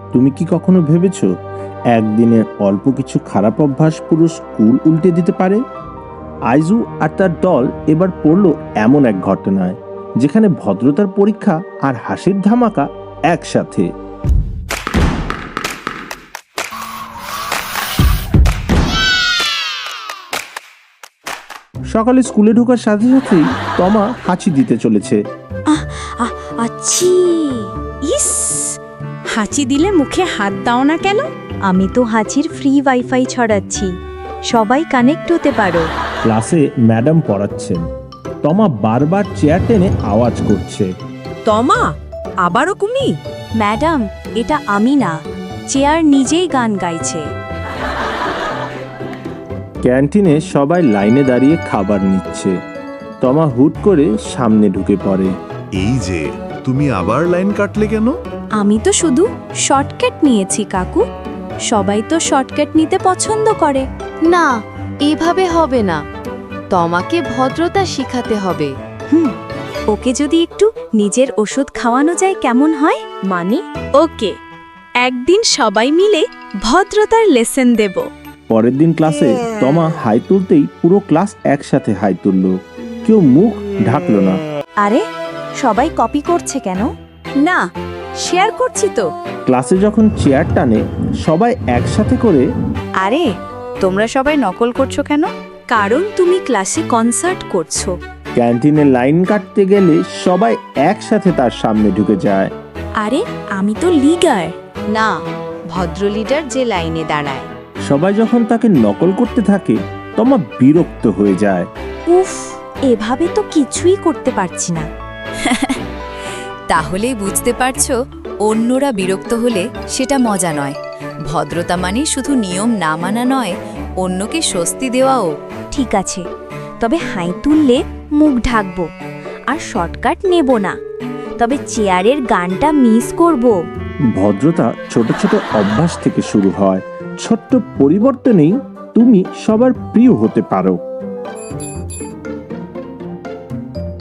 তুমি কি কখনো ভেবেছো একদিনে অল্প কিছু খারাপ অভ্যাস পুরো স্কুল উল্টে দিতে পারে? আইজু আর তার দল এবার পড়ল এমন এক ঘটনায় যেখানে ভদ্রতার পরীক্ষা আর হাসির ধামাকা একসাথে। সকালে স্কুলে ঢোকার সাথে সাথেই তমা হাঁচি দিতে চলেছে। আচ্ছি, ইস, হাঁচি দিলে মুখে হাত দাও না কেন? আমি তো হাঁচির ফ্রি ওয়াইফাই ছড়াচ্ছি, সবাই কানেক্ট হতে পারো। ক্লাসে ম্যাডাম পড়াচ্ছেন, তমা বারবার চেয়ার টেনে আওয়াজ করছে। তমা, আবারও তুমি? ম্যাডাম, এটা আমি না, চেয়ার নিজেই গান গাইছে। ক্যান্টিনে সবাই লাইনে দাঁড়িয়ে খাবার নিচ্ছে। তমা হুট করে সামনে ঢুকে পড়ে। এই যে, তুমি আবার লাইন কাটলে কেন? আমি তো শুধু শর্টকাট নিয়েছি কাকু, সবাই তো শর্টকাট নিতে পছন্দ করে। না, এভাবে হবে না, তোমাকে ভদ্রতা শিখাতে হবে। ওকে যদি একটু নিজের ওষুধ খাওয়ানো যায় কেমন হয়? মানে ওকে, একদিন সবাই মিলে ভদ্রতার লেসন দেব। পরের দিন ক্লাসে তমা হাই তুলতেই পুরো ক্লাস একসাথে হাই তুলল, কেউ মুখ ঢাকলো না। আরে, সবাই কপি করছে কেন? না, শেয়ার করছি তো। ক্লাসে যখন চেয়ার টানে সবাই একসাথে করে। আরে, তোমরা সবাই নকল করছো কেন? কারণ তুমি ক্লাসে কনসার্ট করছো। ক্যান্টিনে লাইন কাটতে গেলে সবাই একসাথে তার সামনে ঢুকে যায়। আরে, আমি তো লিডার। না, ভদ্র লিডার যে লাইনে দাঁড়ায়। সবাই যখন তাকে নকল করতে থাকে তমা বিরক্ত হয়ে যায়। উফ, এভাবে তো কিছুই করতে পারছি না। তাহলেই বুঝতে পারছো, অন্যরা বিরক্ত হলে সেটা মজা নয়। ভদ্রতা মানে শুধু নিয়ম না মানা নয়, অন্যকে স্বস্তি দেওয়াও। ঠিক আছে, তবে হাই তুললে মুখ ঢাকবো আর শর্টকাট নেব না, তবে চেয়ারের গানটা মিস করব। ভদ্রতা ছোট ছোট অভ্যাস থেকে শুরু হয়, ছোট্ট পরিবর্তনেই তুমি সবার প্রিয় হতে পারো।